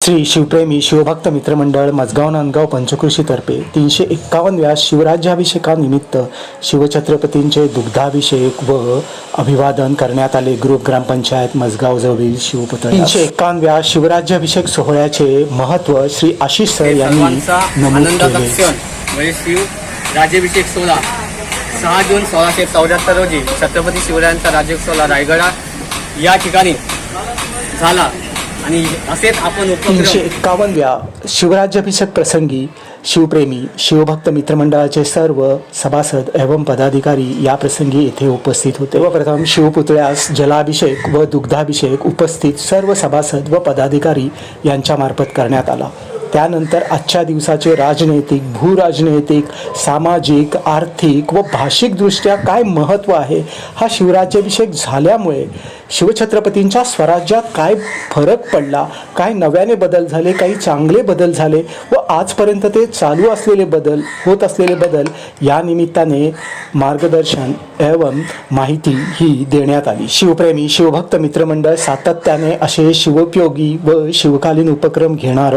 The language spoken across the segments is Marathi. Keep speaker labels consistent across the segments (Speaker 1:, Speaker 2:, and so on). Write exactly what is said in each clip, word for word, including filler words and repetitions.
Speaker 1: श्री शिवप्रेमी शिवभक्त मित्रमंडळ मजगाव नांदगाव पंचकृषीतर्फे तीनशे एक्कावन्नव्या शिवराज्याभिषेकानिमित्त शिवछत्रपतींचे दुग्धाभिषेक व अभिवादन करण्यात आले. ग्रुप ग्रामपंचायत मजगावजवळील शिवपुतळ्यास तीनशे एक्कावन्नव्या शिवराज्याभिषेक सोहळ्याचे महत्त्व श्री आशिष सर यांनी नमूद केले.
Speaker 2: शिव राज्याभिषेक सोहळा सहा जून सोळाशे चौऱ्याहत्तर रोजी छत्रपती शिवरायांचा राज्याभिषेक सोहळा रायगडा या ठिकाणी झाला आणि असेच आपण
Speaker 1: तीनशे एक्कावन्नव्या शिवराज्याभिषेक प्रसंगी शिवप्रेमी शिवभक्त मित्रमंडळाचे सर्व सभासद एवं पदाधिकारी या प्रसंगी येथे उपस्थित होते व प्रथम शिवपुतळ्यास जलाभिषेक व दुग्धाभिषेक उपस्थित सर्व सभासद व पदाधिकारी यांच्यामार्फत करण्यात आला. त्यानंतर आजच्या दिवसाचे राजनैतिक, भूराजनैतिक, सामाजिक, आर्थिक व भाषिकदृष्ट्या काय महत्त्व आहे, हा शिवराज्याभिषेक झाल्यामुळे शिवछत्रपतींच्या स्वराज्यात काय फरक पडला, काय नव्याने बदल झाले, काही चांगले बदल झाले व आजपर्यंत ते चालू असलेले बदल, होत असलेले बदल या निमित्ताने मार्गदर्शन एवं माहिती ही देण्यात आली. शिवप्रेमी शिवभक्त मित्रमंडळ सातत्याने असे शिवोपयोगी व शिवकालीन उपक्रम घेणार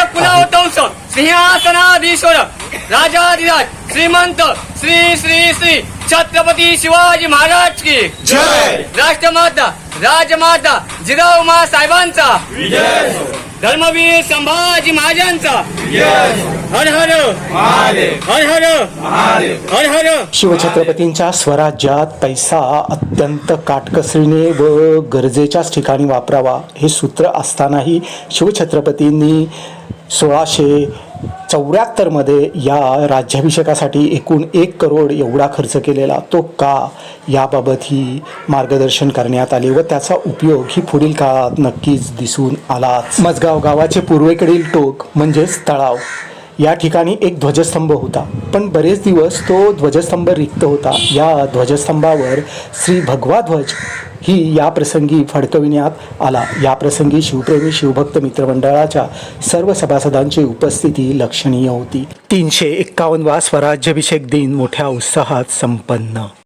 Speaker 2: सिंहासनाधीश्वर राजाधिराज श्रीमंत श्री श्री श्री छत्रपती शिवाजी महाराज की जय. राष्ट्रमाता राजमाता जिजाऊ साहेबांचा विजय. धर्मवीर संभाजी महाराजांचा हर हर हर हर हर हर.
Speaker 1: शिवछत्रपतींच्या स्वराज्यात पैसा अत्यंत काटकसरीने व गरजेच्याच ठिकाणी वापरावा हे सूत्र असतानाही शिवछत्रपतींनी सोळाशे चौऱ्याहत्तरमध्ये या राज्याभिषेकासाठी एकूण एक करोड एवढा खर्च केलेला तो का, याबाबतही मार्गदर्शन करण्यात आले व त्याचा उपयोग ही पुढील काळात नक्कीच दिसून आलाच. मजगाव गावाचे पूर्वेकडील टोक म्हणजेच तळाव या ठिकाणी एक ध्वजस्तंभ होता, पण बरेच दिवस तो ध्वजस्तंभ रिक्त होता. या ध्वजस्तंभावर श्री भगवा ध्वज ही या प्रसंगी फडकविण्यात आला. या प्रसंगी शिवप्रेमी शिवभक्त मित्रमंडळाच्या सर्व सभासदांची उपस्थिती लक्षणीय होती. तीनशे एक्कावन्नवा स्वराज्याभिषेक दिन मोठ्या उत्साहात संपन्न.